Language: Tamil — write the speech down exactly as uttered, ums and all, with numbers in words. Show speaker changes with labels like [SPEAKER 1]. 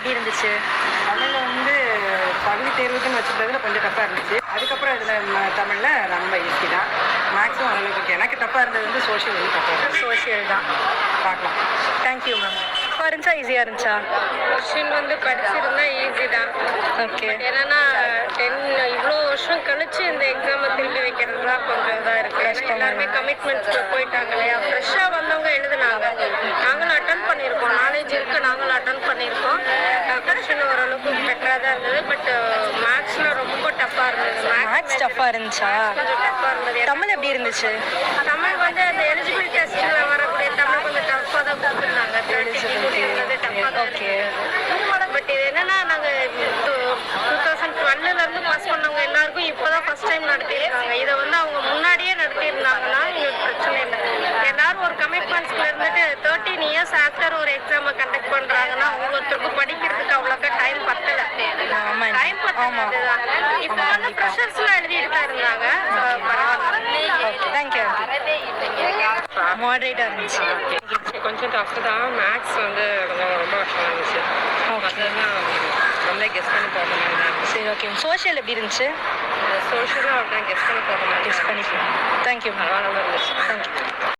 [SPEAKER 1] எப்படி இருந்துச்சு?
[SPEAKER 2] தமிழில் வந்து பகுதி தேர்வுக்குன்னு வச்சுருந்ததுல கொஞ்சம் டஃப்பாக இருந்துச்சு. அதுக்கப்புறம் இதில் தமிழில் ரொம்ப ஈஸி தான். மேக்ஸிமம் ஓரளவுக்கு எனக்கு டஃப்பாக இருந்தது வந்து சோஷியல் வந்து டஃப்பாக இருந்துச்சு.
[SPEAKER 1] சோஷியல் தான்.
[SPEAKER 2] பார்க்கலாம்.
[SPEAKER 1] Thank you ma'am. டஃப்பாக இருந்துச்சா ஈஸியாக இருந்துச்சா?
[SPEAKER 3] கொஸ்டின் வந்து படிச்சிருந்தா ஈஸி தான்.
[SPEAKER 1] ஓகே.
[SPEAKER 3] ஏன்னா டென் இவ்வளோ வருஷம் கழிச்சு இந்த எக்ஸாமை திரும்பி வைக்கிறது தான் கொஞ்சம் இதாக இருக்குது. ஏன்னா எல்லாருமே கமிட்மெண்ட்ஸ்க்கு போயிட்டாங்க இல்லையா. ஃப்ரெஷ்ஷாக வந்தவங்க எழுதுனாங்க. நாங்களும் அட்டன் பண்ணியிருக்கோம். நாலேஜ் இருக்குது, நாங்களும் அட்டன் பண்ணியிருக்கோம். கொஸ்டின் ஓரளவுக்கு பெட்டராக தான் இருந்தது. பட் மேக்ஸில் ரொம்ப டஃப்பாக இருந்தது.
[SPEAKER 1] மேக்ஸ் டஃப்பாக இருந்துச்சா?
[SPEAKER 3] கொஞ்சம் டஃப்பாக இருந்தது.
[SPEAKER 1] தமிழ் எப்படி இருந்துச்சு?
[SPEAKER 3] தமிழ் வந்து அந்த எலிஜிபிள் டெஸ்ட்டில் வரக்கூடிய தமிழ் கொஞ்சம் டஃப்பாக தான் கொடுத்துருந்தாங்க.
[SPEAKER 1] ஓகே.
[SPEAKER 3] பட் இது என்னன்னா நாங்கள் டூ டூ தௌசண்ட் டுவெல்லேருந்து பாஸ் பண்ணவங்க எல்லாருக்கும் இப்போ தான் ஃபஸ்ட் டைம் நடத்தியிருக்காங்க. இதை வந்து அவங்க முன்னாடியே நடத்தியிருந்தாங்கன்னா எங்களுக்கு பிரச்சனை இல்லை. எல்லாரும் ஒரு கமிட்மெண்ட்ஸ்ல இருந்துட்டு தேர்ட்டீன் இயர்ஸ் ஆஃப்டர் ஒரு எக்ஸாமை கண்டக்ட் பண்ணுறாங்கன்னா ஒவ்வொருத்தருக்கும் படிக்கிறதுக்கு அவ்வளோக்கா டைம் பத்தலை. டைம் பத்தலை. இப்போ வந்து ப்ரெஷர்ஸ்லாம் எழுதிட்டு தான் இருந்தாங்க.
[SPEAKER 1] தேங்க்யூ. மாடரேட்டாக இருந்துச்சு.
[SPEAKER 4] கொஞ்சம் டஃப் தான். மேக்ஸ் வந்து கொஞ்சம் ரொம்ப கஷ்டமாக இருந்துச்சு. அதெல்லாம் நம்மளே கெஸ் பண்ணி போகிற மாதிரி தான்.
[SPEAKER 1] சரி, ஓகே. சோஷியல் எப்படி இருந்துச்சு?
[SPEAKER 4] சோஷியலாக அப்படின்னா கெஸ் பண்ணி போகிற மாதிரி
[SPEAKER 1] கெஸ் பண்ணி. தேங்க்யூ.
[SPEAKER 4] பரவாயில்ல இருந்துச்சு.
[SPEAKER 1] தேங்க்யூ.